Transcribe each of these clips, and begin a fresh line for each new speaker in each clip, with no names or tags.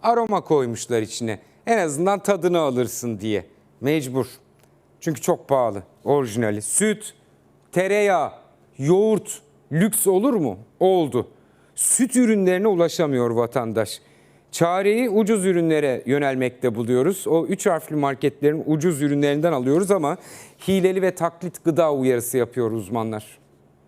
aroma koymuşlar içine. En azından tadını alırsın diye. Mecbur. Çünkü çok pahalı orijinali. Süt, tereyağı, yoğurt lüks olur mu? Oldu. Süt ürünlerine ulaşamıyor vatandaş. Çareyi ucuz ürünlere yönelmekte buluyoruz. O 3 harfli marketlerin ucuz ürünlerinden alıyoruz ama hileli ve taklit gıda uyarısı yapıyor uzmanlar.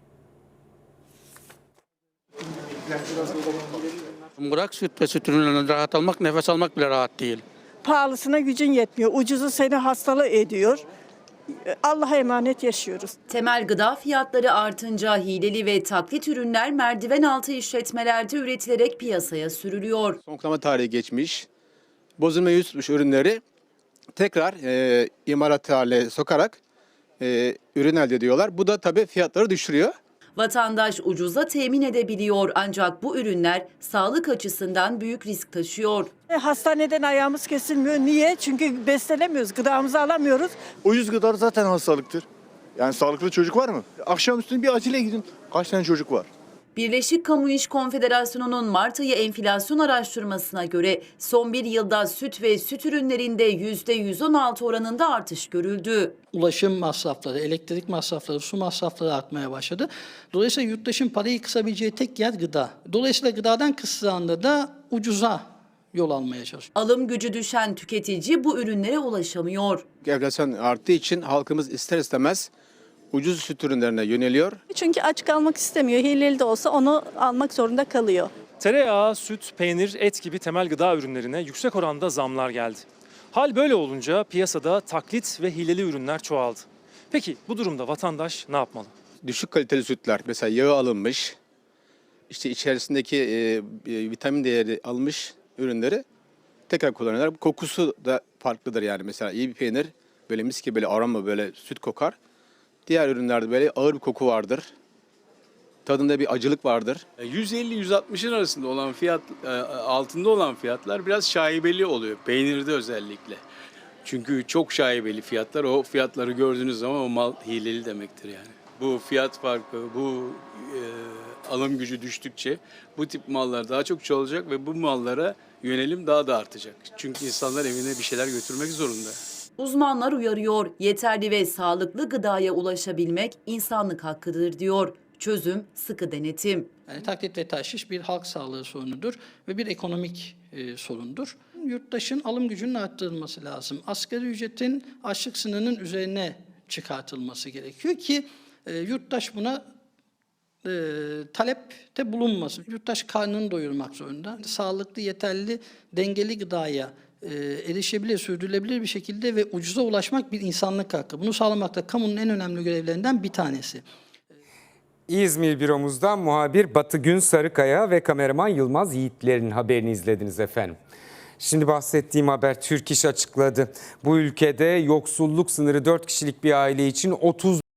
Bırak süt ve süt ürünlerinden rahat almak, nefes almak bile rahat değil.
Pahalısına gücün yetmiyor. Ucuzu seni hastalığı ediyor. Allah'a emanet yaşıyoruz.
Temel gıda fiyatları artınca hileli ve taklit ürünler merdiven altı işletmelerde üretilerek piyasaya sürülüyor.
Son kullanma tarihi geçmiş, bozulma yüz tutmuş ürünleri tekrar imalat haline sokarak ürün elde ediyorlar. Bu da tabii fiyatları düşürüyor.
Vatandaş ucuza temin edebiliyor ancak bu ürünler sağlık açısından büyük risk taşıyor.
Hastaneden ayağımız kesilmiyor. Niye? Çünkü beslenemiyoruz. Gıdamızı alamıyoruz.
Ucuz gıda zaten hastalıktır. Yani sağlıklı çocuk var mı? Akşamüstü bir acile gidin. Kaç tane çocuk var?
Birleşik Kamu İş Konfederasyonu'nun Mart ayı enflasyon araştırmasına göre son bir yılda süt ve süt ürünlerinde %116 oranında artış görüldü.
Ulaşım masrafları, elektrik masrafları, su masrafları artmaya başladı. Dolayısıyla yurttaşın parayı kısabileceği tek yer gıda. Dolayısıyla gıdadan kıstığı anda da ucuza yol almaya çalışıyor.
Alım gücü düşen tüketici bu ürünlere ulaşamıyor.
Enflasyon arttığı için halkımız ister istemez ucuz süt ürünlerine yöneliyor.
Çünkü aç kalmak istemiyor. Hileli de olsa onu almak zorunda kalıyor.
Tereyağı, süt, peynir, et gibi temel gıda ürünlerine yüksek oranda zamlar geldi. Hal böyle olunca piyasada taklit ve hileli ürünler çoğaldı. Peki bu durumda vatandaş ne yapmalı?
Düşük kaliteli sütler, mesela yağı alınmış, işte içerisindeki vitamin değeri almış ürünleri tekrar kullanıyorlar. Kokusu da farklıdır yani. Mesela iyi bir peynir böyle mis gibi böyle aroma, böyle süt kokar. Diğer ürünlerde böyle ağır bir koku vardır. Tadında bir acılık vardır.
150-160'ın arasında olan fiyat, altında olan fiyatlar biraz şaibeli oluyor. Peynirde özellikle. Çünkü çok şaibeli fiyatlar. O fiyatları gördüğünüz zaman o mal hileli demektir yani. Bu fiyat farkı, bu alım gücü düştükçe bu tip mallar daha çok çoğalacak ve bu mallara yönelim daha da artacak. Çünkü insanlar evine bir şeyler götürmek zorunda.
Uzmanlar uyarıyor, yeterli ve sağlıklı gıdaya ulaşabilmek insanlık hakkıdır diyor. Çözüm sıkı denetim.
Yani taklit ve tahşiş bir halk sağlığı sorunudur ve bir ekonomik sorundur. Yurttaşın alım gücünün arttırılması lazım. Asgari ücretin açlık sınırının üzerine çıkartılması gerekiyor ki yurttaş buna talepte bulunmasın. Yurttaş karnını doyurmak zorunda. Sağlıklı, yeterli, dengeli gıdaya erişebilir, sürdürülebilir bir şekilde ve ucuza ulaşmak bir insanlık hakkı. Bunu sağlamak da kamunun en önemli görevlerinden bir tanesi.
İzmir büromuzdan muhabir Batı Gün Sarıkaya ve kameraman Yılmaz Yiğitler'in haberini izlediniz efendim. Şimdi bahsettiğim haber Türk İş açıkladı. Bu ülkede yoksulluk sınırı 4 kişilik bir aile için 30